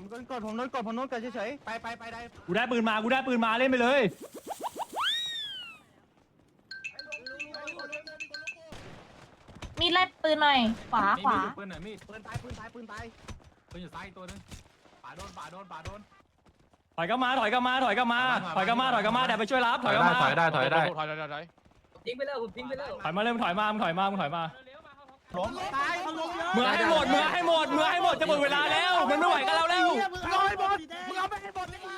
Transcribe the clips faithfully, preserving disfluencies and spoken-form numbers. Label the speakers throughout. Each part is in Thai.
Speaker 1: โดนกดผมโดนกดผมโดนกดเฉยๆไปไปไปได้
Speaker 2: กูได้ปืนมากูได้ปืนมาเล่นไปเลย
Speaker 3: มีดไล่ปืนหน่อยขวาขวา
Speaker 4: ปืนหน่อยมีด
Speaker 1: ปืนตายปืนตายปืนตาย
Speaker 4: ปืนอยู่ซ้ายอีกตัวนึงป่าโดนป่าโดนป่าโดน
Speaker 2: ถอยกลับมาถอยกลับมาถอยกลับมาถอยกลับมาถอยกลับมาเดี๋ยวไปช่วยรับถอยกลับมา
Speaker 4: ถอยได้ถอยได้
Speaker 5: ถอยถอยถอยถอย
Speaker 6: ทิ้งไปแล้วผมทิ้งไปแล้ว
Speaker 2: ถอยมาเริ่มถอยมามึงถอยมามึงถอยมา
Speaker 1: ล้มตายเขาล้มเยอะ
Speaker 2: เมื่อให้หมดเมื่อให้หมดเมื่อให้หมดจะหมดเวลาแล้วมันไม่ไหวกันแล้วแล้ว
Speaker 1: มึงเอาให้หมดมึงเอาไปให้หมดเลย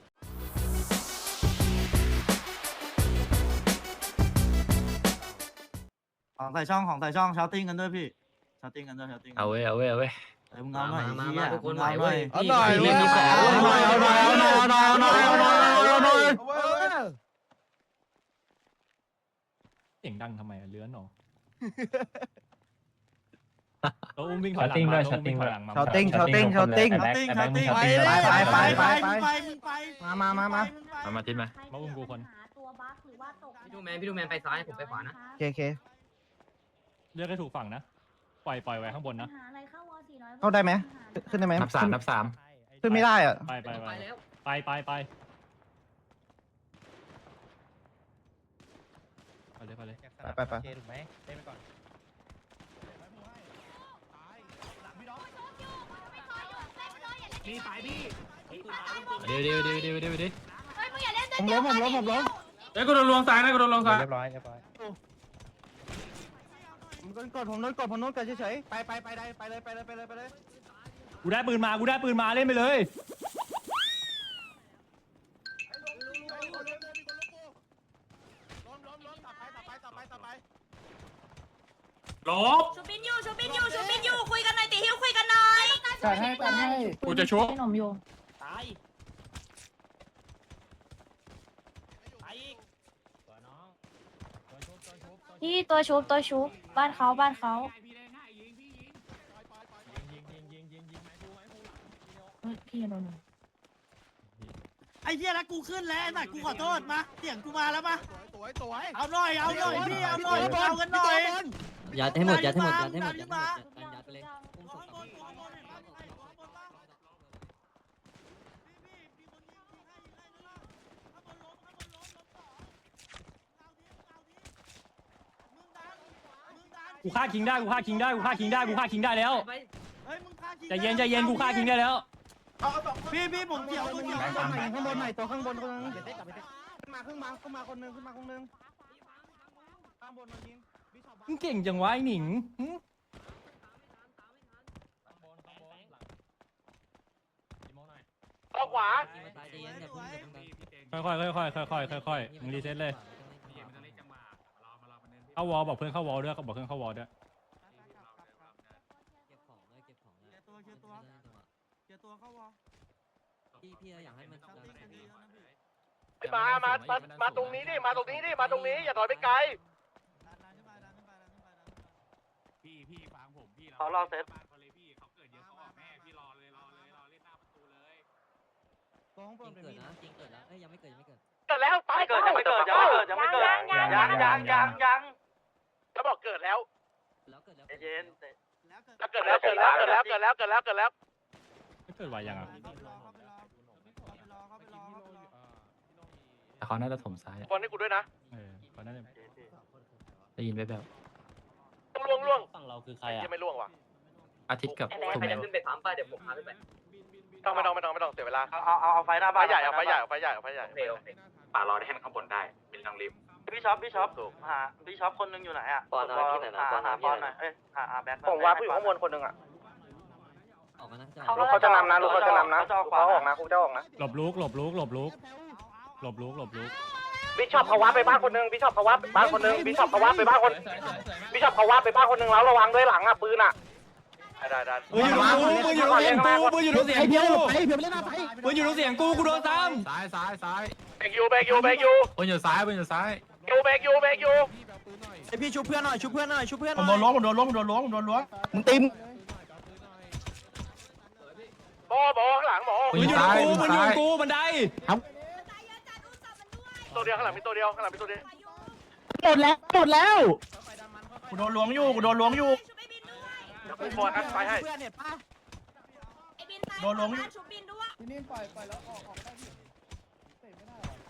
Speaker 1: ของใส่ช่องของใส่ช่องชาวติ้งกันด้วยพี่ชาวติ้งกันด้วยชาวติ้ง
Speaker 4: เอาเว้ยเอาเว้ยเอาเว้ย
Speaker 1: เอ้ยมึงเอาหน่อย
Speaker 6: มา
Speaker 1: ไอ้
Speaker 6: มา
Speaker 1: เหี้ย
Speaker 6: ทุกคน
Speaker 1: มึง
Speaker 6: ไหว
Speaker 1: เอาหน่
Speaker 6: เว้
Speaker 1: อย
Speaker 6: ย
Speaker 5: เอาหน่อย
Speaker 6: เล่นมีของ
Speaker 1: เอาหน่อยเอาหน่อยเอาหน่อยเอาหน่อยเอาหน่อยเอาหน่อยเอาหน่อย
Speaker 2: เสียงดังทำไมเลื้อนหรอเราอุ้มวิ่งถอยหลังมาอุ้มวิ่งถอยหลังมา
Speaker 1: ชาวติ้งชาวติ้งชาวติ้งชาวติ้งชาวติ้งไปไปไปไปไปมามามามา
Speaker 4: มามาทิ้งมา
Speaker 2: มาอุ้มกูคน
Speaker 3: ตัวบั๊กหรือว่าตก
Speaker 6: พี่ดูแมนพี่ดูแมนไปซ้ายผมไปขวานะ
Speaker 1: โอเคโอเค
Speaker 2: เลือกให้ถูกฝั่งนะปล่อยปล่อยไว้ข้างบนนะ
Speaker 3: หาอะไรเข้าวอสี่ร้อย
Speaker 1: เข้าได้ไหมขึ้นได้ไหม
Speaker 4: นับสามนับสาม
Speaker 1: ขึ้นไม่ได้อ่ะ
Speaker 2: ไปไปไป
Speaker 6: ไปแล้ว
Speaker 2: ไปไปไปไปเลยไปเลย
Speaker 1: ไปไป
Speaker 5: ถูกไหมเล่นไปก่อน
Speaker 1: มีสายพี่
Speaker 4: เดี๋ยวเดี๋ยวเดี๋ยวเดี๋ยวเดี๋ยวเดี๋ยว
Speaker 3: เฮ้ยมึงอย่าเล่น
Speaker 1: ผมล้มผมล้มผมล้ม
Speaker 4: เฮ้ยกูโดนลวงซ้ายนะกูโดนลวงซ้าย
Speaker 5: เรียบร้อยเรียบร้อย
Speaker 1: ผมโดนกดผมโดนกดผมโดนกดเฉยๆไปไปไปได้ไปเลยไปเลยไปเลยไปเลย
Speaker 2: กูได้ปืนมากูได้ปืนมาเล่นไปเลย
Speaker 4: ลบ
Speaker 3: ชูบินอยู่ชูบินอยู่ชูบินอยู่คุยกันหน่อยติฮิวคุยกันหน่อย
Speaker 1: จัดให้จัดให้
Speaker 2: กูจะชุบ
Speaker 3: ขนมอยู่
Speaker 2: ตาย
Speaker 3: ที่ตัวชุบตัวชุบบ้านเขาบ้านเขาเฮ้ยพี่โดน
Speaker 7: ไอ้เหี้ยแล้วกูขึ้นแล้วไอ้สัตว์กูขอโทษมาเสียงกูมาแล้วปะ
Speaker 1: สวยสวย
Speaker 7: เอาหน่อยเอาหน่อยพี่เอาหน่อยเอากันหน่อย
Speaker 6: ยัดให้หมดยัดให้หมดยัดให้หมด
Speaker 7: ยั
Speaker 6: ยั
Speaker 7: ด
Speaker 6: ด
Speaker 7: ให้
Speaker 6: ให้
Speaker 7: ห
Speaker 6: ห
Speaker 7: ม
Speaker 6: ม
Speaker 7: ด
Speaker 6: ดยัดไปเลยอุ้มศพกลับ
Speaker 2: กูฆ่าคิงได้กูฆ่าคิงได้กูฆ่าคิงได้กูฆ่าคิงได้แล้ว
Speaker 7: เฮ้ยมึงฆ่าคิง
Speaker 2: ใจเย็นใจเย็นกูฆ่าคิงได้แล้ว
Speaker 7: พี่พี่ผมเกี่ยวผมเกี่ยว
Speaker 1: ข้างบนไหนข้างบนไหนตัวข้างบนคนนึงขึ้นมาขึ้นมาขึ้นมาคนนึงขึ้นมาคนนึงข้างบนมายิง
Speaker 2: มึงเก่งจังวะไอ้หนิงหึ
Speaker 5: เอาขวา
Speaker 2: ค่อยค่อยค่อยค่อยค่อยค่อยค่อยๆมึงรีเซ็ตเลยเข้าวอลบอกเพื่อนเข้าวอลด้วยบอกเพื่อนเข้าวอลด้วย
Speaker 6: เก็บของเลยเก็บของเลย
Speaker 7: ตัวเกี่ยวตัวเกี่ยวตัวเข้าวอ
Speaker 6: พี่พี่อยากให้มัน
Speaker 5: มามามามาตรงนี้ดิมาตรงนี้ดิมาตรงนี้อย่าถอยไปไกล
Speaker 4: พี่พี่ฟังผมพี่
Speaker 5: ขอรอเซต
Speaker 4: บ้านเขาเลยพี่เขาเกิดเยอะเขาออกแน่พี่รอเลยรอเลยรอเล่นหน้าประตูเลย
Speaker 1: ตัวข้างบ
Speaker 6: จริ
Speaker 1: น
Speaker 6: ง
Speaker 1: เป็น
Speaker 6: เกิด
Speaker 1: มี
Speaker 6: นะจริงเกิดแล้วเอ้ยยังไม่เกิดยังไม่เกิด
Speaker 5: เกิดแล้วไปเกิดยังไม่เกิดยังไม่เกิดยังไม่เกิดยังยังยังยังแล้วบอกเกิดแล้ว
Speaker 6: แล้วเกิดแล้ว
Speaker 5: เย็น
Speaker 7: แล้วเกิด
Speaker 5: แล้วเกิดแล้วเกิดแล้วเกิดแล้วเกิดแล้วเกิดแล้วเกิดแล้ว
Speaker 2: ไม่เกิดไวยังอ่ะ
Speaker 7: เข้าไปรอเข้าไปรอเข้าไปรอเข้าไปรอเข้าไปรอ
Speaker 4: แต่เขาน่าจะถมซ้าย
Speaker 5: คนให้กูด้วยนะ
Speaker 2: เออตอนนั้น
Speaker 4: ได้ยินไหมแบบ
Speaker 5: ล่วงล่วง
Speaker 2: ฝั่งเราคือใคร
Speaker 5: ยั
Speaker 2: อ่ะ
Speaker 5: งไม่ล่วงว่ะ
Speaker 4: อาทิตย์กับ
Speaker 6: ใคร
Speaker 4: ถูก
Speaker 6: ใคร
Speaker 4: ไหม
Speaker 6: จะขึ้นไปปั๊มป่ะเดี๋ยวผมพาขึ้นไป
Speaker 5: ต้องไม่ต้องไม่ต้องไม่ต้องเสียเวลา
Speaker 1: เอาเอาเอาไฟหน้า
Speaker 5: ไฟ
Speaker 1: บ้าน
Speaker 5: ใหญ่เอาไฟใหญ่เอาไฟใหญ่เอาไฟใหญ่
Speaker 6: โอเคโอเค
Speaker 4: ป่ารอได้ให้มันข้างบนได้เป็นทางริม
Speaker 1: พี่ช็อปพี่ช็อปหาพี่ช็อปคนนึงอยู่ไหนอ่ะ
Speaker 6: ปอนน้ำที่ไหนนะปอนน้ำที่
Speaker 1: ปอน
Speaker 6: ไห
Speaker 1: ห
Speaker 6: น
Speaker 1: น่อยเอ้ยหาหาแบ็ค
Speaker 5: ผมว่าผู้อยู่ข้างบนคนหนึ่งอ่ะ
Speaker 6: ออกมานะ
Speaker 1: ลูกเขาจะนำนะลูกเขาจะนำนะเขาออกนะกูจะออกนะ
Speaker 2: หลบลุกหลบลุกหลบลุกหลบลุกหลบลุก
Speaker 5: บิชอปเขาวัดไปบ้านคนหนึ่งบิชอปเขาวัดบ้านคนหนึ่งบิชอปเขาวัดไปบ้านคนบิชอปเขาวัดไปบ้านคนหนึ่งแล้วระวังด้วยหลังอ่ะปืนอ่ะได้ได้
Speaker 2: ปืนอยู่ตรงกูปืนอยู่ตรงเสียงกูปืนอยู่ตรงเสียงกู
Speaker 1: ไอ้เพียวเล่นหน้าไฟ
Speaker 2: ปืนอยู่ตรงเสียงกูกูโดนซ้
Speaker 4: ซ้ายซ้ายซ้าย
Speaker 5: เบรกยูเบรกยูเบรกยู
Speaker 4: บนอยู่ซ้ายบนอยู่ซ้าย
Speaker 5: ยูเบรกยูเบรกยู
Speaker 1: ไอพี่ชุบเพื่อนหน่อยชุบเพื่อนหน่อยชุบเพื่อนห
Speaker 8: ผ
Speaker 1: น่
Speaker 8: ม
Speaker 1: อย
Speaker 8: โดนล้วงผมโดนล้วงผมโดนล้วงผมโดนล้วง
Speaker 1: มึงตีม
Speaker 5: หมอหมอข้างหลังหมอ
Speaker 2: ำปืนอยู่ตรงกูปืนอยู่ตรงกูบันได
Speaker 5: ตัวเดียวข้างหลังมีตัวเดียวข้างหลังมีตัวเดียว
Speaker 1: หมดแล้วหมดแล้ว
Speaker 8: กูโดนล้วงอยู่กูโดนล้วงอยู่
Speaker 5: กูบอลนะไปให้
Speaker 1: เพื่อนเนี่ยป้า
Speaker 3: ไอ้บินตาย
Speaker 8: โดนล้วงอยู่
Speaker 3: ชุบบินด้วย
Speaker 1: พี่นิ่มปล่อยปล่อยแล้วออกออกได้พี่เตะไม่ได้หรอ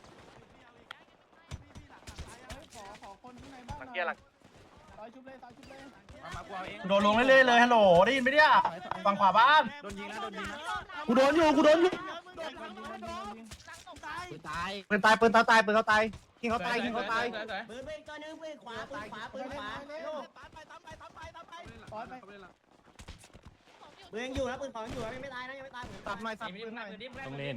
Speaker 1: ขอขอคนข้างในบ้านหน่อยต่อยชุบเลยต่อยชุบเลย
Speaker 8: โดนล้วงเรื่อยๆเลยฮัลโหลได้ยินไหมเนี่ยฝั่งขวาบ้าน
Speaker 1: โดนยิงนะโดนยิงนะ
Speaker 7: กูโดนอยู่กูโดนอยู่
Speaker 1: ตาย
Speaker 5: ปืนตายปืนเขาตายปืนเขาตายทิ้งเขาตายทิ้งเขาตาย
Speaker 7: ปืนปืนตัวนึงปืนขวาปืนขวาปืนขวาลูก
Speaker 1: ปล่อยไป
Speaker 7: ปืนยังอยู่นะปืนของยังอยู่นะยังไม่ตายนะยังไม่ตาย
Speaker 1: ตับหน่อยตับปืนหน่อย
Speaker 2: ต้องเล่น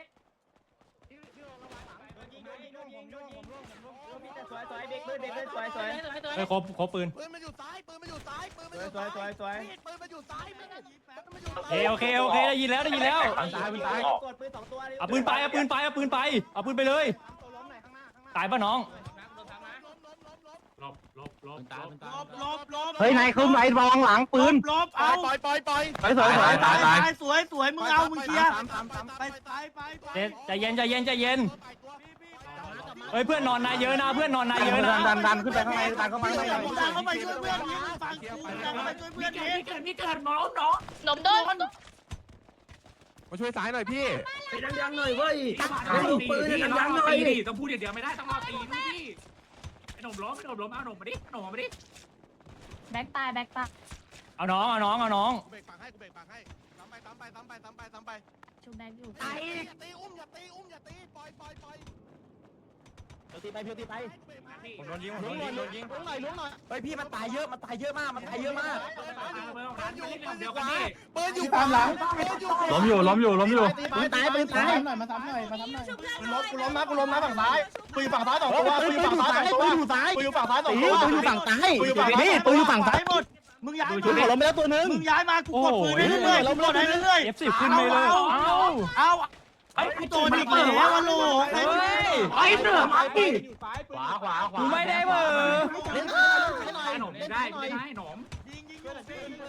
Speaker 7: สวยสวยเด็กปืนเด็กปืนสวยสวย
Speaker 2: เฮ้ยครบครบปืน
Speaker 1: ปืนมันอยู่ซ้ายปืนมันอยู่ซ้ายปืนมันอยู่
Speaker 7: สวยสวยสวย
Speaker 1: ปืนมันอยู่ซ้ายปืนมันอยู่
Speaker 2: เอยโอเคโอเคได้ยินแล้วได้ยินแล้ว
Speaker 7: กดปืนสองตัว
Speaker 2: เอาปืนไปเอาปืนไปเอาปืนไปเอาปืนไปเลย
Speaker 1: ตัวล้มหน่อยข้างหน้าข้างหน้า
Speaker 2: ตายป่ะน้อง
Speaker 4: หลบหลบหลบ
Speaker 7: ลบลบลบ
Speaker 5: เฮ้ยนายขึ้นไอ้วางหลังปืน
Speaker 7: ลบเอา
Speaker 1: ปล่อยปล่อยปล่อย
Speaker 5: สวยสวยสวย
Speaker 7: ตายตายสวยสวยมึงเอามึงเคลียร์
Speaker 1: ตามตามตาม
Speaker 7: ไปไปไปไป
Speaker 2: เจ๊ใจเย็นใจเย็นใจเย็นเฮ้ยเพื่อนนอนนายเยอะนะเพื่อนนอนนายเยอะนะ
Speaker 5: ดันดันขึ้นไปข้างในดันเข้ามาข้างใน
Speaker 7: ดันเข้าไปช่วยเพื่อนนี้ฟังกูดันเข้าไปช่วยเพื่อนนี้
Speaker 3: หนมโดน
Speaker 1: มาช่วยซ้ายหน่อยพี่
Speaker 4: ยังหน่อยเว้ยปืนยังยังหน่อยต้องพูดเดี๋ยวไม่ได้ต้องรอตีด้วยพี่ไอ้หนุ่มล้มไอ้หนุ่มล้มเอาหนุ่มมาดิหนุ่มมาดิ
Speaker 3: แบ็คตายแบ็คตาย
Speaker 2: เอาน้องเอาน้องเอาน้อง
Speaker 1: กูเบรกปากให้กูเบรกปากให้ตามไปตามไปตามไปตามไปตามไป
Speaker 3: ชุบแบ็คอยู่
Speaker 1: อย่าตีอุ้มอย่าตีอุ้มอย่าตีปล่อยปล่อยปล่อย
Speaker 5: ตีไปเพียวตีไป
Speaker 1: ผมโดนยิงผมโดนยิงโดนยิงล้วงหน่อยล้วงหน่อย
Speaker 5: เฮ้ยพี่มันตายเยอะมันตายเยอะมากมันตายเยอะมาก
Speaker 4: เดี๋ยวกันดิ
Speaker 1: ปืนอยู่ตามหลังปืนอยู่
Speaker 2: ล้มอยู่ล้มอยู่ล้มอยู่
Speaker 5: ปืนตายปืนตาย
Speaker 1: หน่อยมาทำหน่อยมาทำหน่อย
Speaker 8: กูล้มกูล้มนะกูล้มนะฝั่งซ้ายปืนอยู่ฝั่งซ้ายสองตัวปืนอยู่ฝั่งซ้ายสองตัว
Speaker 5: ปืนอยู่ซ้าย
Speaker 8: ปืนอยู่ฝั่งซ้ายสอง
Speaker 5: ตี
Speaker 8: ตัว
Speaker 5: ปืนอยู่ฝั่งซ้าย
Speaker 8: ปืนอยู่ฝั่งซ้าย
Speaker 5: นี่ปืนอยู่ฝั่งซ้าย
Speaker 7: หมดมึงย้าย
Speaker 5: ชุดหัวล้มไปแล้วตัวนึง
Speaker 7: มึงย้ายมากูกดปืนได้เรื่อยๆกูกดได้เรื่อย
Speaker 2: เอฟสิบขึ้นไปเลยเอา
Speaker 7: ๆเอาไอ้ตัวนี้เปิดแล้ววะโล
Speaker 2: เฮ้ย
Speaker 7: ไอ้เหนือมาดิ
Speaker 5: ขวาขวาขวา
Speaker 2: กูไม่ได้เบอร์
Speaker 5: เล่น
Speaker 4: ไอ้หนุ่มได้ไม่ได้หนุ่ม
Speaker 7: ยิงยิงยิง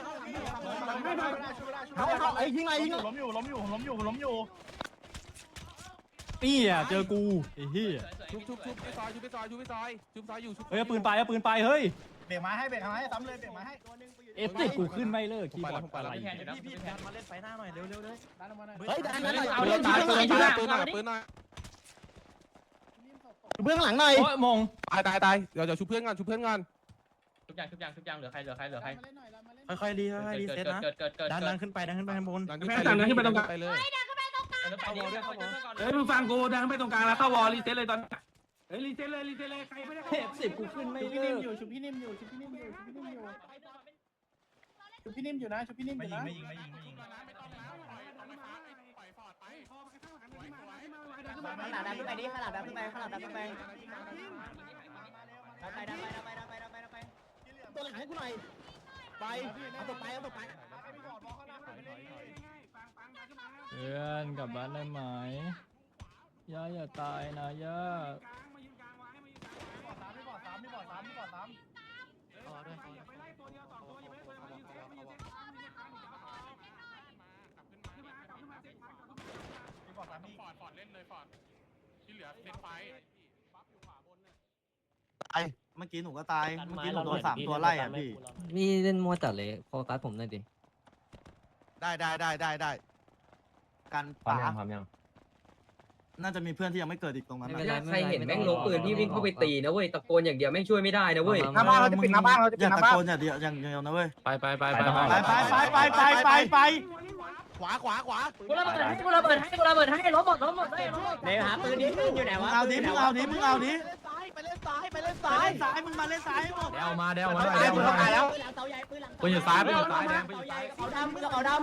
Speaker 5: เขาเขาไอ้ยิงไงยิง
Speaker 8: ล้มอยู่ล้มอยู่ล้มอยู่ล้มอยู่
Speaker 2: นี่อ่ะเจอกูไอ้เหี้ย
Speaker 1: ชุบชุบชุบไปซอยชุบไปซอยชุบไปซอยชุบซอยอยู่ชุบ
Speaker 2: เฮ้ยเอาปืนไปเอาปืนไปเฮ้ย
Speaker 8: เบรกไม้ให้เบรกไม้ให้ซ้ำเลยเบรกไม้ให้
Speaker 2: เอฟสิบกูขึ้นไม่เลิกคีย์บอร์ดอะไร
Speaker 5: พี่พี่ดันมาเล่นไฟหน้าหน่อยเร็วเร็วเลย
Speaker 1: ดันออกมาหน่อย
Speaker 5: เฮ้ยดันมาหน่อย
Speaker 4: เอา
Speaker 5: เล่
Speaker 4: เล่
Speaker 5: น
Speaker 4: น
Speaker 5: ตา
Speaker 4: ตาย ย
Speaker 5: ปื
Speaker 4: ปื
Speaker 5: น
Speaker 4: น
Speaker 5: หน่อย
Speaker 4: ปืนหน่อยปืนหน่อย
Speaker 5: เบื้องหลังหน่อย
Speaker 2: โอ้ยมง
Speaker 1: ตายตายตายเดี๋ยวเดี๋ยวชุบเพื่อนก่อนชุบเพื่อนก่อน
Speaker 4: ทุกอย่างทุกอย่างทุกอย่างเหลือใครเหลือใครเหลือใคร
Speaker 5: ค่อยๆรีค่อยๆรีเซ็ตนะ
Speaker 4: เกิดเกิดเกิด
Speaker 5: ดันดันขึ้นไปดันขึ้นไปข้างบน
Speaker 1: ดันขึ้นไปดันขึ้นไปตรงกลางไปเลย
Speaker 4: เฮ้ยมึงฟังกูดันไปตรงกลางแล้วเข้าวอลรีเซ็ตเลยตอนเฮ้ยรีเซ็ตเลยรีเซ็ตเลยใครไม่ได้
Speaker 2: เอฟสิบกูขึ้นไม่
Speaker 1: ชุบพี่
Speaker 2: เลิ
Speaker 1: นิ่ม
Speaker 2: ก
Speaker 1: อยู่ชุบพี่นิ่มอยู่ชุบพี่นิ่มอยู่ชุบพี่นิ่มอยู่ชุบพี่นิ่มอยู่นะชุบพี่นิ่มอ
Speaker 8: ไม่
Speaker 1: ยู่
Speaker 8: ยิง
Speaker 1: นะ
Speaker 8: ไม่ยิงไม่ยิงไม่ยิง
Speaker 7: ขนาดดันขึ้นไปดิขนาดดันขึ้นไปขนาดดันขึ้นไปดันไปดันไปดันไปดันไปดันไปดันไป
Speaker 5: ตัวหลังให้กูหน่อยไปเอาตัวไปเอาตัวไป
Speaker 2: เพื่อนกลับบ้านได้ไหมย่าอย่าตายนะย่า
Speaker 8: ไม่บอดสามไม่บอดสามไม่บอดสาม
Speaker 4: ฟอร์ดฟอร์ดเล่นเลยฟอร์ดที่เหลือเล่นไฟ
Speaker 7: เมื่อกี้หนูก็ตาย เมื่อกี้หนูโดนสามตัวไล่อ่ะพี่
Speaker 6: พี่เล่นมัวจัดเลยโฟกัสผมหน่อยดิ
Speaker 1: ได้ได้ได้ได้ได้
Speaker 7: การ
Speaker 6: พร้อม
Speaker 7: ป่า
Speaker 6: ยังพร้อมยัง
Speaker 7: น่าจะมีเพื่อนที่ยังไม่เกิดอีกตรงนั้น
Speaker 6: ไม่
Speaker 7: นะ
Speaker 6: เป็นไร
Speaker 9: ใครเห็นแม่งลงปืนพี่วิ่งเข้าไปตีนะเว้ยตะโกนอย่างเดียวแม่งช่วยไม่ได้นะเว้ย
Speaker 5: หน้าบ้านเราจะปิดหน้าบ้านเราจะ
Speaker 7: อ
Speaker 5: ปิด
Speaker 7: ย่า
Speaker 5: หน้า
Speaker 7: ตะ
Speaker 5: บ้าน
Speaker 7: โกนอย่าเดียวอย่างเดียวนะเว้ย
Speaker 4: ไปไปไปไป
Speaker 7: ไปไปไปไปไปไปไป
Speaker 1: ขวาขวาขวา
Speaker 9: กูระเบิดให้กูระเบิดให้กูระเบิดให้ล้มหมดล้มหมดเลยล้มหมด
Speaker 7: เดี๋ยวหาปืนดิปืนอยู่ไหนวะเอาดิมึงเอาดิมึงเอาดิไปเล่นซ้ายไปเล่นซ้ายไปเล่นซ้ายมึงมาเล่นซ้ายหมด
Speaker 4: เดวมาเดวมา
Speaker 5: ตายปืนตายแล้ว
Speaker 4: ปืนอยู่ซ้ายปืนอยู่ซ้ายแดงปืน
Speaker 7: เสา
Speaker 4: อยู่
Speaker 7: ใหญ่
Speaker 4: ซ้าย
Speaker 7: กระเป๋าดำกระเป๋าด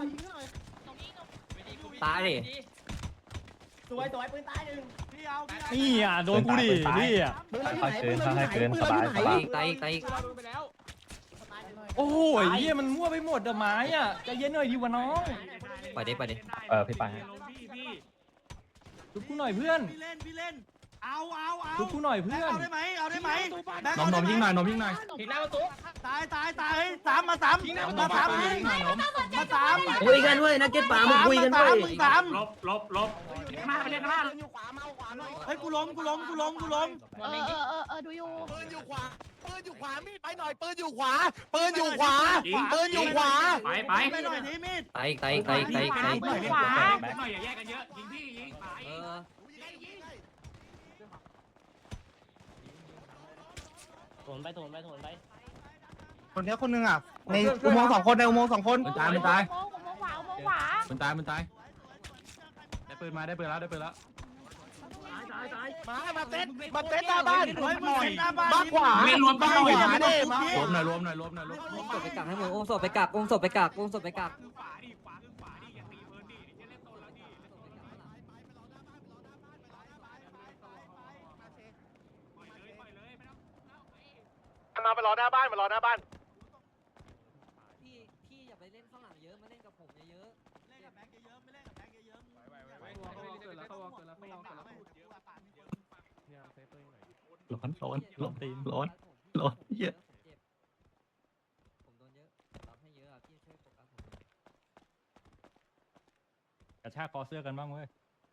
Speaker 6: ตายดิ
Speaker 7: ำสวยสวยปืนตายหนึ่งพี่เอาพี่เอา
Speaker 2: นี่อ่ะโดนกูดินี่อ่ะ
Speaker 5: ปืนเราอยู่ไหนปืนเราอยู่ไหนปืนเราอยู่ไหน
Speaker 6: ตายอีกตายอีกตายอีก
Speaker 2: โอ้ยเหี้ยมันมั่วไปหมดอะไม้อ่ะใจเย็นหน่อยดิวะน้อง
Speaker 6: ไปดิไปดิ
Speaker 2: เออพี่ไปชุบกูหน่อยเพื่อน
Speaker 7: พี่เล่นพี่เล่นเอาเอาเอา
Speaker 2: ชุบกูหน่อยเพื่อน
Speaker 7: เอาได้ไหมเอาได้ไหม
Speaker 2: นมนมยิงหน่อยนมยิงหน่อย
Speaker 4: ทีหน้าประตู
Speaker 7: ตายตายตายเฮ้ยสามมาสามมาสาม
Speaker 2: ยิงหน่อยนม
Speaker 7: มาสาม
Speaker 9: คุยกันเว้ยนักเก็ตป่ามึงคุยกันเว้ย
Speaker 7: มึงสาม
Speaker 4: ลบลบลบข้างหน้าไปเล่นข้างหน้า
Speaker 7: เฮ้ยกูล้มกูล้มกูล้มกูล้ม
Speaker 3: เออเออเออเออดูอยู่
Speaker 8: ปืนอยู่ขวาปืนอยู่ขวามีดไปหน่อยปืนอยู่ขวาปืนอยู่ขวาปืนอยู่ขวา
Speaker 4: ไปไป
Speaker 7: ไปหน่อยดิมีด
Speaker 6: ตายอีกตายอีกตายอีกตายอีกตายอีก
Speaker 3: ขวา
Speaker 4: หน่อยอย่าแยกกันเยอะยิงพี่ยิงไป
Speaker 6: เออ
Speaker 1: โถนไปโถนไปโถนไปคนนี้คนนึงอ่ะในอุโมงค์สองคนในอุโมงค์สองคน
Speaker 2: มันตายมันตาย
Speaker 3: โมงโมงขวาโมงขวา
Speaker 2: มันตายมันตายได้ปืนมาได้ปืนแล้วได้ปืนแล้ว
Speaker 8: มามาเซ็ตมาเซ็ตหน้าบ้าน
Speaker 7: เฮ้ยมึงเห็นหน้าบ้าน
Speaker 8: บ้านขวา
Speaker 4: เล่นรวมกันหน่อย
Speaker 8: ขวาเด้มาร
Speaker 2: วมหน่อยรวมหน่อยรวมหน่อยรวม
Speaker 6: อุ้มศพไปกักให้หมดอุ้มศพไปกักอุ้มศพไปกักอุ้มศพไปกัก
Speaker 4: ขวาดิขวาคือขวาดิอย่าตีเพิ่นดิจะเล่นโตแล้วดิ
Speaker 5: มาไปรอหน้าบ้านมารอหน้าบ้าน
Speaker 6: พี่พี่อย่าไปเล่นข้างหลังเยอะมาเล่นกับผมเยอะ
Speaker 7: เล่นกับแบงค์เยอะๆไม่เล่นกับแบงค์เยอะๆ
Speaker 2: ร้อนร้อนร้อนตีนร้อนร้อนเยอะ
Speaker 6: ผมโดนเยอะรับให้เยอะอ่ะพี่ช่วยโฟกัสผม
Speaker 2: กระชากคอเสื้อกันบ้างเว้ย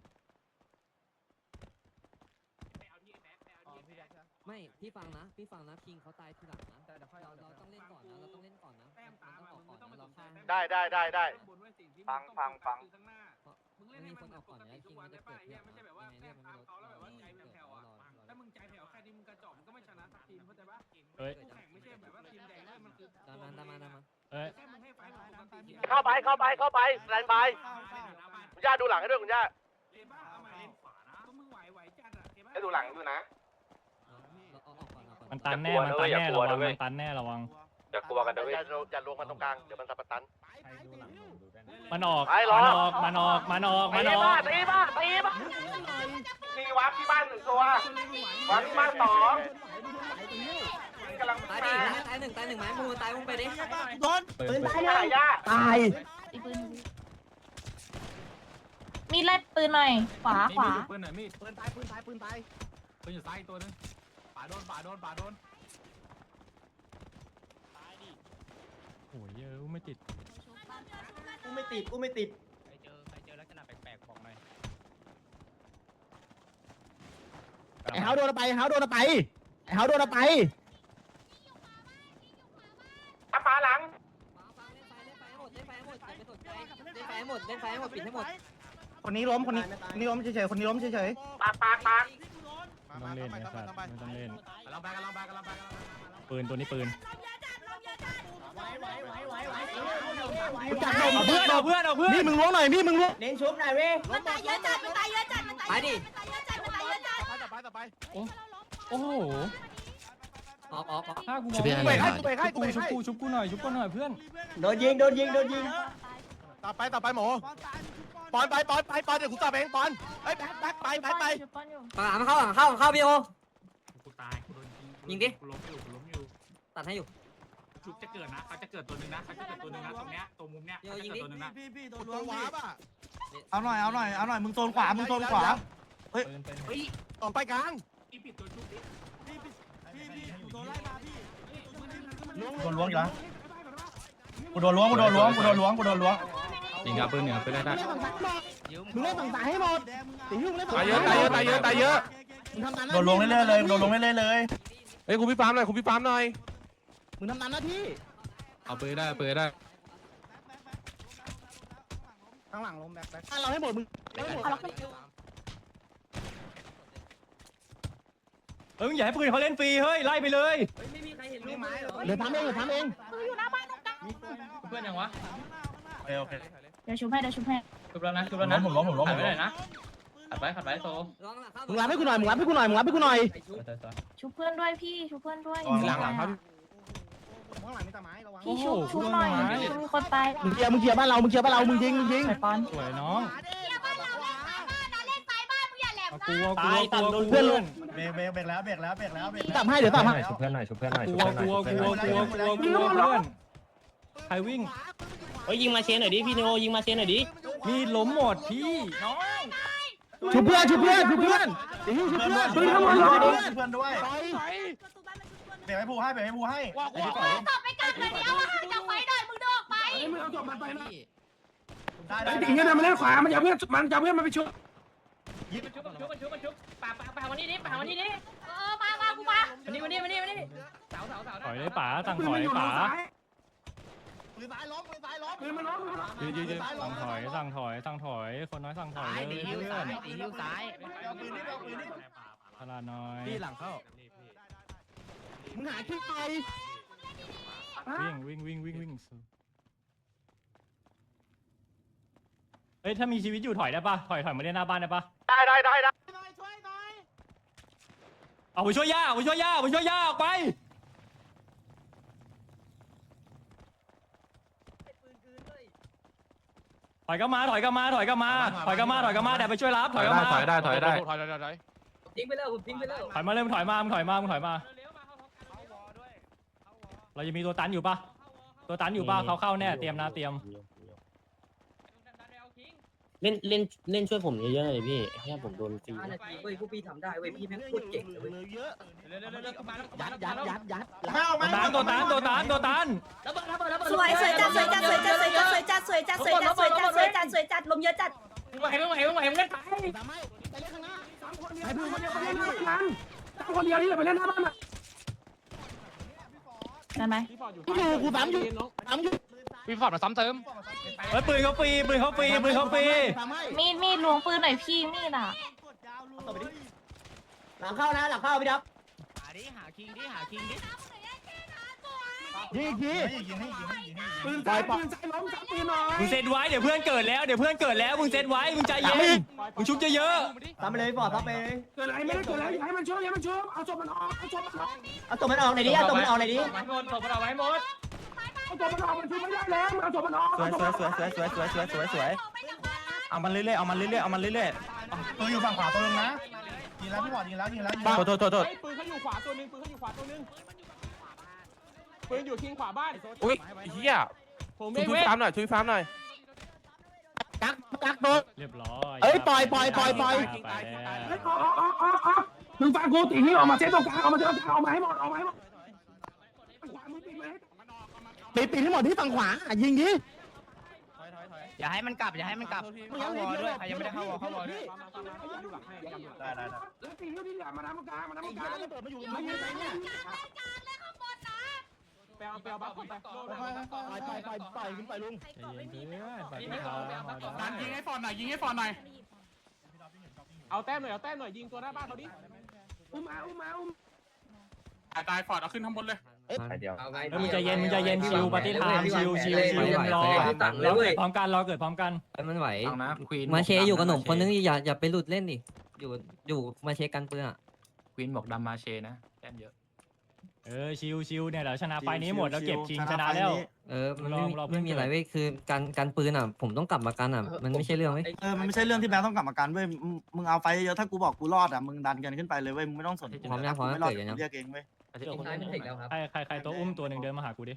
Speaker 6: ไม่พี่ฟังนะพี่ฟังนะคิงเขาตายทีหลังนะเราเราต้องเล่นก่อนนะเราต้องเล่นก่อนนะ
Speaker 4: แต้มตาม
Speaker 6: ต้องอ
Speaker 4: มึ
Speaker 6: อก
Speaker 4: ง
Speaker 6: ก่อน
Speaker 4: ต้อง
Speaker 6: นะ
Speaker 4: มา
Speaker 6: เรา
Speaker 4: สนใจ
Speaker 6: ฆ่า
Speaker 5: ได้ได้ได้ได้
Speaker 4: ฟังฟังฟังข้างหน้า
Speaker 6: มึงเล่นให้มันปกติทุกวันได้ป่ะเนี่ยไม่ใช่แบบว่าแต้มตามเขาแล้วแบบว่าใจแผ่วๆอ่ะถ้ามึงใจแผ่วแค่นี้มึงกระจอกมึงก็ไม่ชนะสักทีมเข้าใจปะ
Speaker 2: เฮ้ย
Speaker 4: คู่แข่งไม่ใช่แบบว่าทีมแดงมันคือ
Speaker 6: ตามมาตามมาตามมา
Speaker 2: เฮ้ย
Speaker 4: แค่มึงให้ไฟปกติ
Speaker 5: เข้าไปเข้าไปเข้าไปสแตนบายคุณย่าดูหลังให้ด้วยคุณย่า
Speaker 4: เลนบ้าเอามาเลนขวานะก็มึงไหวไหวจัดอ่ะเห็นปะ
Speaker 5: ให้ดูหลังด้วยนะ
Speaker 6: เราเอาออกก่อนเอาก่อน
Speaker 2: มันตันแน่มันตันแน่ระวังมันตันแน่ระวัง
Speaker 5: อย่ากลัวกันนะเว้ยอย่าอย่าลงมาตรงกลางเดี๋ยวมันสับปะตัน
Speaker 2: มันออก
Speaker 5: ไปรอ
Speaker 2: มันออกมันออกมันออกมันออก
Speaker 5: ตีบ้าตีบ้ามีวาร์ปที่บ้านหนึ่งตัววาร์ปที่บ้านสองกำลัง
Speaker 6: ตาย
Speaker 5: มา
Speaker 6: ดิตายหนึ่งตายหนึ่งไม้มูตายมึงไปดิ
Speaker 7: โดน
Speaker 2: ปืน
Speaker 5: ตายย่า
Speaker 1: ตาย
Speaker 3: อีปืนมีดไล่ปืนหน่อย ขวาขวา
Speaker 2: ปืนหน่อยมีด
Speaker 1: ปืนตายปืนตายปืนตาย
Speaker 2: ปืนอยู่ซ้ายตัวนึงป่าโดนป่าโดนป่าโดนโอ้ยเยอะไม่ติด
Speaker 1: กูไม่ติดกูไม่ติด
Speaker 2: ใครเจอใครเจอลักษณะแปลกๆบอกหน่อย
Speaker 1: ไอ้เฮาโดนไปไอ้เฮาโดนไปไอ้เฮาโดนไป
Speaker 5: ตามมาหลัง
Speaker 6: ฟังเล่นไฟเล่นไฟให้หมดเล่นไฟให้หมดอย่าไปสนใจเล่นไฟให้หมดเล่นไฟให้หมดปิดให้หมด
Speaker 1: คนนี้ล้มคนนี้คนนี้ล้มเฉยๆคนนี้ล้มเฉย
Speaker 5: ปากปากปาก
Speaker 2: ไม่ต้องเล่นไอ้สัตว์ไม่ต้องเล่นกำลังไปกำลังไปกำลังไปปืนตัวนี้ปืน
Speaker 1: ๆจับลม
Speaker 2: เอาเพื่อนเอาเพื่อนเอาเพื่อน
Speaker 1: นี่มึงล้วงหน่อยนี่มึงล้วง
Speaker 3: มันตายเยอะจัดมันตายเยอะจัดมันตาย
Speaker 6: ไปดิ
Speaker 3: มันตายเยอะจัดมันตายเยอะจัด
Speaker 8: ต่อไปต่อไป
Speaker 2: โอ้โห
Speaker 6: ออกออกออก
Speaker 2: ถ้ากูมอง
Speaker 8: กูเบรกให้กูเบรกให้กู
Speaker 2: กู
Speaker 8: เบรก
Speaker 2: ชุบ
Speaker 8: ให้
Speaker 2: กูชุบกูหน่อยชุบกูหน่อยเพื่อน
Speaker 1: โดนยิงโดนยิงโดนยิง
Speaker 8: ต่อไปต่อไปหมูปอนไปปอนไปปอนเดี๋ยวกูตอบเองปอนเฮ้ยแบ็คแบ็คไปไปไป
Speaker 3: ชุบป้อนอยู่
Speaker 6: หลังเข้าหลังเข้าหลังเข้าพี่โอ
Speaker 4: กูตายกูโดนยิง
Speaker 6: ยิงดิ
Speaker 4: กูล้มอยู่กูล้มอยู่
Speaker 6: ตัดให้อยู่
Speaker 4: ชุบจะเกิดนะเขาจะเกิดตัวหนึ่งนะเขาจะเกิดตัวหนึ่งนะตรงเนี้ยตรงมุมเนี้ยเขาจะเกิดตัวหนึ่งนะ
Speaker 7: พี่พี่โดน
Speaker 8: ตั
Speaker 7: ล้ว
Speaker 8: ว
Speaker 7: ง
Speaker 8: วา
Speaker 7: พี่
Speaker 8: ร์ปอ่ะ
Speaker 7: เอาหน่อยเอาหน่อยเอาหน่อยมึงโซนขวามึงโซนขวา
Speaker 2: ปืนเป็น
Speaker 4: เฮ้ย
Speaker 8: ต่อไปกลาง
Speaker 4: อีปิดตัวชุบดิ
Speaker 7: พี่พี่พี่พี่กูโดนไล่มาพี่
Speaker 1: โดนล้วงอยู่แล้วกูโดนล้วงกูโดนล้วงกูโดนล้วงกูโดนล้วง
Speaker 2: ยิงกับปืนเนี่ยปืนได้ได้
Speaker 1: มึงเล่นฝั่งซ้ายให้หมด
Speaker 7: แดงมึง
Speaker 1: ตียุ่งเล่นฝั่ง
Speaker 8: ตายเยอะตายเยอะตายเยอะตายเยอะ
Speaker 1: มึงทำตามหน้า
Speaker 8: โดนลงเรื่อยๆเลยโดนลงเรื่อยๆเลยเฮ้ยคุณพี่ปามหน่อยคุณพี่ปามหน่อย
Speaker 1: มึงทำตามหน้าที่
Speaker 2: เอาปืนได้ปืนได้
Speaker 1: ข้างหลังล้มแบ็คแบ็คเราให้หมดมึงให้หมด
Speaker 3: เอาแล้วขึ้น
Speaker 2: เอออย่าให้ปืนเขาเล่นฟรีเฮ้ยไล่ไปเลย
Speaker 6: ไม่มีใครเห็นลูกไม้
Speaker 1: เดี๋ยวทำเองเดี๋ยวทำเอง
Speaker 3: ปืนอยู่หน้าบ้านตรงกลาง
Speaker 2: เพื่อนยังวะ
Speaker 1: โอเคโอเค
Speaker 3: เดี๋ยวชุบให้เดี๋ยวชุบให้
Speaker 2: ชุบแล้วนะชุบ
Speaker 1: ล้
Speaker 2: แล้ว
Speaker 1: ม
Speaker 2: นะ
Speaker 1: ผมล้มผมล้มผมล้ม
Speaker 2: ขัดไว้ขัดไว้โซ
Speaker 1: มึงรับให้กูหน่อยมึงรับให้กูหน่อยมึงรับให้กูหน่อย
Speaker 3: ชุบเพื่อนด้วยพี่ชุบเพื่อนด้วย
Speaker 1: หลังหลังครับข้างหลังมีตาไม้ระวัง
Speaker 3: พี่ชุบชุบหน่อยชุบมีคนตาย
Speaker 1: มึงเคลียร์มึงเคลียร์บ้านเรามึงเคลียร์บ้านเรามึงยิงมึงยิง
Speaker 3: ใส่ป้อน
Speaker 2: สวยน้อง
Speaker 3: เล่นสายบ้านมึงอย่าแหลม
Speaker 2: กลัวกลัวกลัวเพื่อน
Speaker 8: เบรกเบรกเบรกแล้วเบรกแล้วเบรกแล้วเบรก
Speaker 1: ตับให้เดี๋ยวตับให้
Speaker 6: ชุบเพื่อนหน่อยชุบเพื่อนหน่อย
Speaker 2: กลัวกลัวกลัวกลัวกลัวกลัวเพื่อนใครวิ่ง
Speaker 1: เฮ้ยยิงมาเชนหน่อยดิพี่โนยิงมาเชนหน่อยดิ
Speaker 2: มีดล้มหมดพี่น้อง
Speaker 8: ชุบเพื่อนชุบเพื่อนชุบเพื่อนชุบเพื่อนชุบเพื่อนเพื่อนด้วยเดี๋ยวให้ผู้ให้เดี๋ยวให้ผู้ให้
Speaker 3: ตบไปกลางเลยเดียวจะไฟหน่อยมึงเดินออกไป
Speaker 4: มึงเอาจบมันไปนะ
Speaker 8: ได้
Speaker 4: ไอ้
Speaker 8: ได้
Speaker 4: ตีเนี่ยมันเล่นขวามันจะเพื่อนมันจะเพื่อนมันไปชุบ
Speaker 3: ชุบชุบชุบชุบป่าป่าป่าวันนี้ดิป่าวันนี้ดิเออมามากูมาวันนี้วันนี้วันนี้วันนี้เสาเสาเสา
Speaker 2: ถอยเลยป๋าสั่งถอยป๋า
Speaker 8: ปืนซ้ายล้มปืนซ้ายล้ม
Speaker 4: ปืนมันล้ม
Speaker 2: ยืนยืนยืนสั่งถอยสั่งถอยสั่งถอยคนน้อยสั่งถอยเลยเพื่อน
Speaker 6: ตีนิ้วซ้าย
Speaker 8: เอาปืนนี่เอาปืนนี่
Speaker 2: พลาน้อย
Speaker 8: พี่หลังเข้ามึงหาที่ไป
Speaker 2: วิ่งวิ่งวิ่งวิ่งวิ่งเฮ้ยถ้ามีชีวิตอยู่ถอยได้ปะถอยถอยมาเล่นหน้าบ้านได้ปะ
Speaker 5: ได้ได้ได้ได้
Speaker 2: เอาไปช่วยย่าเอาไปช่วยย่าเอาไปช่วยย่าออกไปถอยกลับมาถอยกลับมาถอยกลับมาถอยกลับมาถอยกลับมาเดี๋ยวไปช่วยรับถอยกลับมา
Speaker 5: ถอยได้ถอยได้
Speaker 9: ทิ้งไปแล้วผมทิ้งไปแล้ว
Speaker 2: ถอยมาเลยมึงถอยมามึงถอยมามึงถอยมาเราจะมีตัวตันอยู่ปะตัวตันอยู่ปะเขาเข้าแน่เตรียมนะเตรียม
Speaker 6: เล่นเล่นเล่นช่วยผมเยอะๆเลยพี่แค่ผมโดนฟรี
Speaker 9: ห้านาทีเว้ยพวกพี่ทำได้เว้ยพี่แม่งโคตรเก่งเลยเว้ย
Speaker 8: เยอะ
Speaker 6: ยัดยัดยัดยัด
Speaker 8: เข้าไหม
Speaker 2: ตัวตันตัวตันตัวตันตัวตัน
Speaker 3: สวยสวยจัดสวยจัดสวยจัดสวยจัดสวยจัดสวยจัดสวยจัดสวยจัดสวยจัดสวยจัดลมเยอะจัด
Speaker 4: ไหวไม่ไหวไม่ไหวมึงเล่นไป
Speaker 8: ไปเล่นข้างหน้า
Speaker 4: ไอ้ปืนคนเดียวไปเล่นหน้าบ้านสามคนเดียวนี่ไปเล่นหน้าบ้านอ่ะ
Speaker 3: ได้ไหม
Speaker 8: อยู่กูสามอยู่สามอยู่
Speaker 5: พี่ฟอร์ดมาซ้ำเติม
Speaker 2: เฮ้ยปืนเขาฟรีปืนเขาฟรีปืนเขาฟรี
Speaker 3: มีดมีดล้วงปืนหน่อยพี่มีดอ่ะ
Speaker 6: หลังเข้านะหลังเข้าพี่ดับหาดิหาคิงดิหาคิงดิ
Speaker 8: ยิงยิงยิงยิงยิงยิง
Speaker 4: ปืนซ้ายปืนซ้ายล้มซ้ำปืนหน่อย
Speaker 2: มึงเซตไว้เดี๋ยวเพื่อนเกิดแล้วเดี๋ยวเพื่อนเกิดแล้วมึงเซตไว้มึงใจเย็นมึงชุบเยอะ
Speaker 6: ทำไปเลยบอดทำไปเลย
Speaker 4: เกิดอะไรไม่ได้เกิดอะไรให้มันช่วยให้มันช่วยเอาศพมันออกเอาศพมันออก
Speaker 6: เอาตัวมันออกหน่อยดิเอาตัวมันออกหน่อยดิ
Speaker 2: หมดศพเราไว้หมด
Speaker 4: เอาศพมันออกมันช่วยไม่ได้แล้วเอาศพมันออก
Speaker 8: สวยสวยสวยสวยสวยสวยสวยสวยสวยเอามันเรื่อยๆเอามันเรื่อยๆเอามันเรื่อยๆตัวอยู่ฝั่งขวาตัวนึงนะยิงแล้วพี่บอดยิงแล้วยิงแล้วยิงแล้วโทษโทษโทษ
Speaker 4: ปืนเขาอยู่ขวาตัวนึงปืนเขาอยู่ขวาตัวนึงปืนอยู่คิงขวาบ้าน
Speaker 5: อุ้ยเฮีย
Speaker 4: ผม
Speaker 5: ช่วยช่วยฟาร์มหน่อยช่วยฟาร์มหน่อย
Speaker 8: กักกักโดน
Speaker 2: เรียบร้อย
Speaker 8: เอ้ยปล่อยปล่อยปล่อยปล่อย
Speaker 2: ไปแล้ว
Speaker 4: เฮ้ยออกออกออกออกออกมึงฟังกูตีนี่ออกมาเซตตรงกลางออกมาเซตตรงกลางออกมาให้หมดออกมาให้หมดขวามือปิดเลย
Speaker 8: ปิดปิดให้หมดที่ฝั่งขวายิงดิ
Speaker 6: อย่าให้มันกลับอย่าให้มันกลับเข้าวอด้วยใครยังไม่ได้เข้าวอเข้าวอด้วย
Speaker 8: ได้ได้ได้
Speaker 4: แล้วตีนี่อย่ามาทำกลางมาทำกลาง
Speaker 8: เปิดมาอยู่ไม่ยืนไหนเนี่ย
Speaker 4: แปลแปลบ้าไป
Speaker 8: ไปไปไปไปขึ้นไปลุง
Speaker 2: ใจเย็นเพื่อนไปพี่เขามาได้
Speaker 4: การยิงให้ฟอนหน่อยยิงให้ฟอนหน่อยเอาแต้มหน่อยเอาแต้มหน่อยยิงตัวหน้าบ้านเขาดิอุ้มมาอุ้มมาอุ้มตายฟอร์ดเอาขึ้นข้างบนเลย
Speaker 8: เดียว
Speaker 9: เอาไง
Speaker 2: มึงใจเย็นมึงใจเย็นชิวปฏิทานชิวชิวชิวรอ
Speaker 9: ตังเล
Speaker 2: ร
Speaker 9: ย
Speaker 2: อ
Speaker 9: เว้
Speaker 2: เกิ
Speaker 9: ย
Speaker 2: ดพร้อมกันรอเกิดพร้อมกัน
Speaker 6: มันไหว
Speaker 5: ฟังนะควีน
Speaker 6: มาเชอยู่กับหนุ่มคนนึงอย่าอย่าไปหลุดเล่นดิอยู่อยู่มาเชกันปืนอ่ะ
Speaker 5: ควีนบอกดำมาเชนะแต้มเยอะ
Speaker 2: เออชิวชิวเนี่ยเดี๋ยวชนะไฟนี้หมดแล้วเก็บชิงชนะแล้ว
Speaker 6: เออมันไม่
Speaker 2: ลองรอเพื่
Speaker 6: ไม่
Speaker 2: อน
Speaker 6: มีอะไรเว้ยคือการการปืนอ่ะผมต้องกลับมากันอ่ะมันไม่ใช่เรื่องเว้ย
Speaker 7: เออมันไม่ใช่เรื่องที่แบงค์ต้องกลับมากันเว้ยมึงมึงเอาไฟเยอะถ้ากูบอกกูรอดอ่ะมึงดันกันขึ้นไปเลยเว้ยมึงไม่ต้องสน
Speaker 6: พร้อมยังพร้อม
Speaker 7: ไม่
Speaker 6: แล้ว
Speaker 7: รอด
Speaker 6: เกิดกันยัง
Speaker 7: เรียกเองเว้ย
Speaker 9: ทิ้งท้ายไม่ถึงแล้วครับ
Speaker 2: ใครใครใครตัวอุ้มตัวหนึ่งเดินมาหากูดิ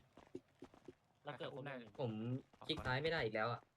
Speaker 9: ผมคลิกท้ายไม่ได้อีกแล้วอ่ะ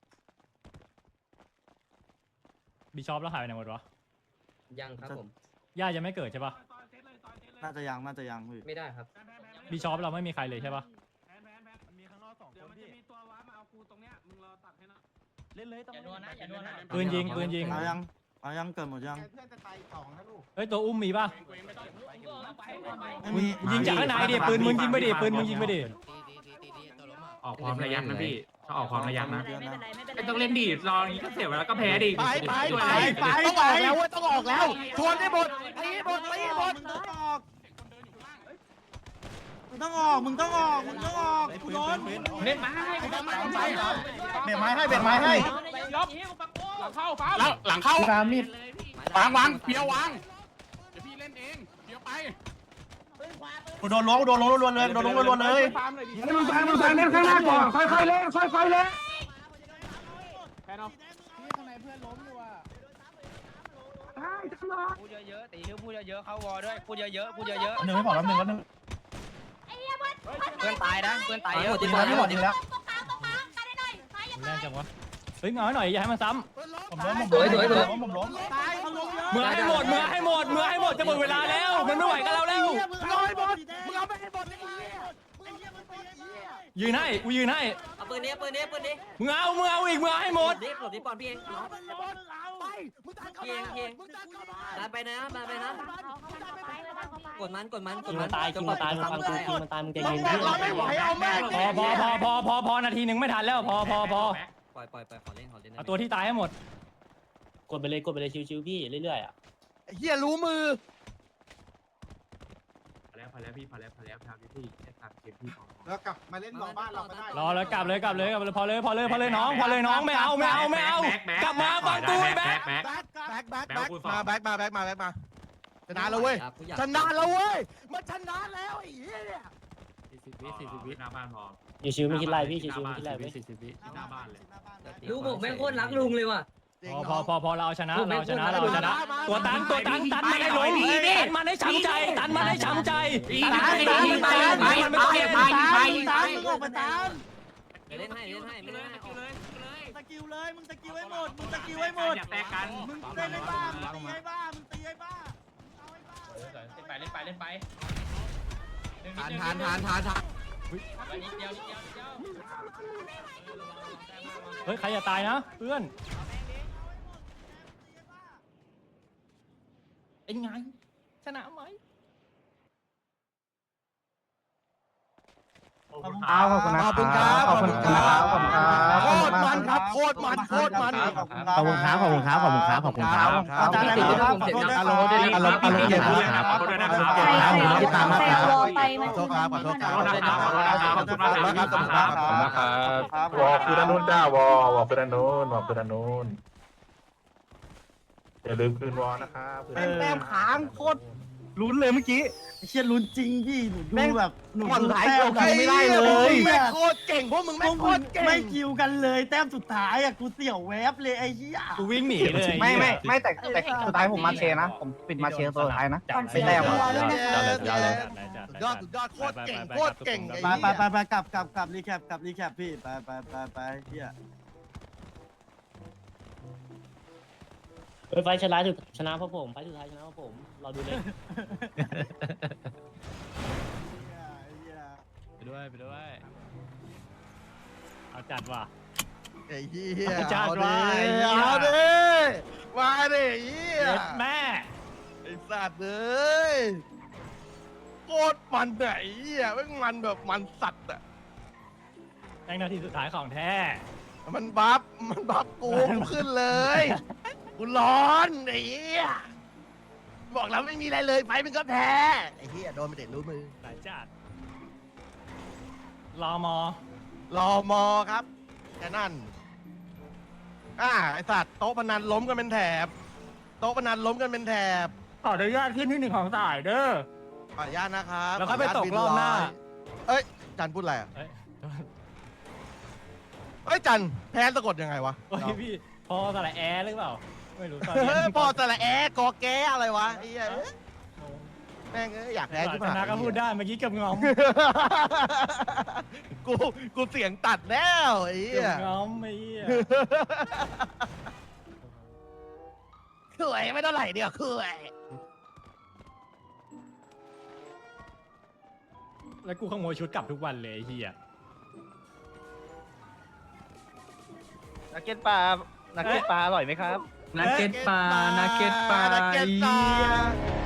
Speaker 2: บิชอปแล้วหายไปไหนหมดวะ
Speaker 9: ยังครับผม
Speaker 2: ย่าจะไม่เกิดใช่ปะ
Speaker 7: น่าจะยังน่าจะยังพี่
Speaker 9: ไม่ได้ครับ
Speaker 2: บิชอปเราไม่มีใครเลยใช่ปะ
Speaker 8: มีข้างนอกสอง
Speaker 4: เดี๋ยวมันจะมีตัวว้ามาเอากูตรงเนี้ยมึงรอตัดให้นะ
Speaker 8: เล่นเลยต้อง
Speaker 6: อย่านัวนะอย่านัวนะ
Speaker 2: ปืนยิงปืนยิง
Speaker 7: เอายังเอายังเกิดหมดยัง
Speaker 8: เพื่อนจะตายสองนะลูก
Speaker 2: เฮ้ยตัวอุ้มมีปะ
Speaker 7: ไม่
Speaker 2: มึง
Speaker 7: มี
Speaker 2: ยิงจากข้างในดิปืนมึงยิงไปดิปืนมึงยิงไปดิ
Speaker 4: ออกพร้อมระยะนะพี่ถ้าออกพร้อมระยะนะ
Speaker 3: ไม่เป็นไรไม่เป็นไร
Speaker 4: ไม่ต้องเล่นดีรออย่างนี้ก็เสียเวลาก็แพ้ดิ
Speaker 8: ไปไปไปไปต้องออกแล้วเว้ยต้องออกแล้วชวนได้หมดตีหมดตีหมด
Speaker 7: มึงต้องออกมึงต้องออกมึงต้องออกมึงต้องออกกูโดน
Speaker 4: เล่นมา
Speaker 8: เบ็ดไม้ให้เบ็ดไม้ให้
Speaker 4: ลบหลังเข้าฟ้าแล้วหลังเข้า
Speaker 8: ตามมีด
Speaker 4: วางวางเพียววางเดี๋ยวพี่เล่นเองเพียวไป
Speaker 8: กูโดนล้วงโดนล้วงล้วนเลยโดนล้วงล้วนเลย
Speaker 4: ฟาร์มเลยดิมึงฟังมึงฟังเล่นข้างหน้าก่อนค่อยๆเล่นค่อยๆเล่นแพ้เนาะ
Speaker 8: ข้างในเพื่อนล้มอยู่อ่ะ
Speaker 4: ใช่จังเลย
Speaker 6: พูดเยอะๆตีนิ้วพูดเยอะๆเข้าวอด้วยพูดเยอะๆพูดเยอะ
Speaker 8: หนึ่งไม่พอแล้วหนึ่งแล้วหนึ่ง
Speaker 6: ๆเพื่อนตายนะเพื่อนตายเยอะ
Speaker 8: ยิงแล้วไม่หมดยิงแล้ว
Speaker 3: ตรงกลางตรงกลางกันได้หน่อยซ้ายอย่า
Speaker 2: มึงแรงจังวะเฮ้ยเงาหน่อยอย่าให้มันซ้
Speaker 8: ผมล้มผม
Speaker 9: สวยสวยสวย
Speaker 8: ล้มผมล้ม
Speaker 7: ตายเขาลงเยอะ
Speaker 2: ำเมื่อให้หมดเมื่อให้หมดเมื่อให้หมดจะหมดเวลาแล้วมันไม่ไหวกับเราแล้ว
Speaker 7: มึงเอาให้หมดมึงเอาไปให้หมดไอ้เหี้ยไอ้เหี้ยมึงไปไอ้เหี้ย
Speaker 2: ยืนให้กูยืนให้
Speaker 6: เอาปืนนี้ปืนนี้ปืนนี้
Speaker 2: มึงเอามึงเอาอีกมึงเอาให้หมด
Speaker 6: ดิหลบดิปอนพี่เอง
Speaker 7: เอามันหมดเอาไปมึงตัดเข้า
Speaker 6: พี่เอง
Speaker 7: มา
Speaker 6: พี่เอง
Speaker 7: มึงตัดเข้ามา
Speaker 6: ดันไปนะดันไปนะกดมันกดมันกด
Speaker 10: กิน
Speaker 6: มั
Speaker 10: มัน นตายกินมันตายมึงฟังกูกินมันตายมึงใจเย็น
Speaker 7: เราไม่ไหวเอาแม่ง
Speaker 2: พอพอพอพอพอพอนาทีหนึ่งไม่ทันแล้วพอพอพอ
Speaker 6: ปล่อยปล่อยปล่อยขอเล่นขอเล่น
Speaker 2: เอาตัวที่ตายให้หมด
Speaker 10: กดไปเลยกดไปเลยชิวๆพี่เรื่อยๆอ่ะ
Speaker 7: เหี้ยรู้มือ
Speaker 4: พอแล้วพอแล้วพี่พอแล้วพอแล้วครับพี่แค่ตามเกมพี่พอ
Speaker 1: แล้วกลับมาเล่นรอบ้านเราก็ได้
Speaker 2: รอเลยกลับเลยกลับเลยกลับเลยพอเลยพอเลยพอเลยน้องพอเลยน้องไม่เอาไม่เอาไม่เอากลับมาฟังกูไอ้แบ๊ก
Speaker 4: แบ็ค
Speaker 1: แบ็คแบ็คแบ็ค
Speaker 4: แบ็คกูสอง
Speaker 1: มาแบ็คมาแบ็คมาแบ็คมาชนะแล้วเว้ยชนะแล้วเว้ยมันชนะแล้วไอ้เหี้ยเนี่ย
Speaker 4: สี่สิบวิสี่สิบวิหน้าบ้านพอ
Speaker 10: อยู่ชิวไม่คิดไรพี่ชิวๆไม่คิดไรเว้ย
Speaker 4: สี่สิบวิที่หน้าบ้านเลย
Speaker 9: ลูกผมแม่งโคตรรักลุงเลยว่ะ
Speaker 2: พอพอพอพอเราชนะเราชนะเราชนะตัวตันตัวตันตันมันให้ล้มตันมันให้ช้ำใจตันมันให้ช้ำใจตันตันตันมันไม่ต้องเล่น
Speaker 7: ตามตามมึงออกมาตาม
Speaker 6: เล่นให้เล่นให้เล่นให้
Speaker 7: สกิลเลยมึงสกิลให้หมดมึงสกิลให้หมด
Speaker 4: อย่าแตกกัน
Speaker 7: มึงเล่นให้บ้ามึงตีให้บ้ามึงตีให้บ้าเอาให้บ้า
Speaker 3: เล่นไปเล่นไปเล่นไป
Speaker 1: ทานทานทานทานทาน
Speaker 3: นิดเดียวนิดเดียวนิดเดียว
Speaker 2: เฮ้ยใครอย่าตายนะเพื่อนเป็นไงชนะไหม
Speaker 8: ขอบคุณครับขอบคุณ
Speaker 1: ขอบคุณครับขอบคุณครับขอบคุณครับโคตรมันครับโคตรมันโคตรมัน
Speaker 8: ขอบคุณครับขอบคุณครับขอบคุณครับขอบคุณครับ
Speaker 7: อาจารย์อะไรครับขอโทษนะ
Speaker 8: อารมณ์ด้วยอารมณ์อารมณ์เย็นนะครับขอโทษด้วยนะครับขอโทษครับที่ตามมาครับ
Speaker 1: ขอโทษครับขอโทษครับขอโทษครับขอบคุณมากครับขอบคุณมากครับ
Speaker 5: วอลคือด้านนู้นจ้าวอลวอลคือด้านนู้นวอลคือด้านนู้นอย่าลืมคืนวอลนะครับ
Speaker 1: แม่งแต้มค้างโคตร
Speaker 8: ลุ้นเลยเมื่อกี้
Speaker 7: เชี่ยลุ้นจริงพี่หนูดูแบบหนู
Speaker 1: มัน
Speaker 7: ดู
Speaker 1: หลาย
Speaker 7: แต้
Speaker 1: ค
Speaker 7: ม
Speaker 1: น
Speaker 7: กันไม่ได้เลย
Speaker 1: แม่งโคตรเก่งพวกมึง
Speaker 7: พ
Speaker 1: แม่
Speaker 7: ว
Speaker 1: ง
Speaker 7: ก
Speaker 1: โค
Speaker 7: มึ
Speaker 1: ต
Speaker 7: ง
Speaker 1: รเก่ง
Speaker 7: ไม่คิวกันเลยแต้มสุดท้ายอ่ะกูเสี่ยวแวบเลยไอ้เหี้ย
Speaker 2: กูวิ่งหนีเลย
Speaker 8: ไม่ไม่ไม่แต่แต่สุดท้ายผมมาเชนะผมปิดมาเชตัวสุดท้ายนะไม่แต้มอ่ะ
Speaker 1: ยอดสุดยอดโคตรเก่งโคตรเก่ง
Speaker 7: ไปไปไปไปกลับกลับกลับรีแคปกลับรีแคปพี่ไปไปไปไปเหี้ย
Speaker 10: เฮ้ยไฟชนะสุดชนะเพราะผมไฟสุดท้ายชนะเพราะผมเราดูเลย
Speaker 2: ไปด้วยไปด้วยเอาจัดว่ะ
Speaker 1: ไอ้เหี้ย
Speaker 2: จัดไว้
Speaker 1: เอาดิมาดิเหี้ย
Speaker 2: เย็ดแม่
Speaker 1: ไอ้สัตว์เอ้ยโคตรมันไหนเหี้ยแม่งมันแบบมันสัตว์อ่ะ
Speaker 2: แม่งนาทีสุดท้ายของแท้
Speaker 1: มันบัฟมันบัฟกูกูขึ้นเลยกูร้อนไอ้เหี้ยบอกแล้วไม่มีอะไรเลยไฟมันก็แพ้ไอ้เหี้ยโดนไปเด็ดรู้มือ
Speaker 2: หลายจัดรอมอ
Speaker 1: รอมอครับแค่นั้นอ่าไอสัตว์โต๊ะพนันล้มกันเป็นแถบโต๊ะพนันล้มกันเป็นแถบ
Speaker 2: ขออนุญาตขึ้นที่หนึ่งของสายเด้อ
Speaker 1: ขออนุญาตนะครับ
Speaker 2: แล้วค่อยไปตก
Speaker 1: ขนุญ
Speaker 2: รอบหน้า
Speaker 1: บิเอ้ยจันพูดอะไรอ่ะ
Speaker 2: เอ้ย
Speaker 1: เอ้ยจันแพ้สะกดยังไงวะ
Speaker 2: โอ้ยพี่พอสระแอร์หรือเปล่าไม่รู้ตอน
Speaker 1: เฮ้
Speaker 2: นี้
Speaker 1: ยพอแต่ละแอกอแกอะไรวะไอ้เหี้ยเอ้ยแม่งเอ้ยอยากแพ้
Speaker 2: ช
Speaker 1: ขึ้นมา
Speaker 2: นะก็พูดได้เมื่อกี้เกับงอม
Speaker 1: กูกูเสียงตัดแล้วไอ้เหี้
Speaker 2: เกื
Speaker 1: ย
Speaker 2: อบงอมไอ้เหี้ย
Speaker 1: สวยไม่เท่าไหร่เดียวคือ
Speaker 2: แล้วกูขโมยชุดกลับทุกวันเลยไอ้เหี้ย
Speaker 8: นักเก็ตปลานักเก็ตปลาอร่อยไหมครับ
Speaker 2: นักเก็ตปลานักเก็ตปลา
Speaker 1: นักเก็ตปลา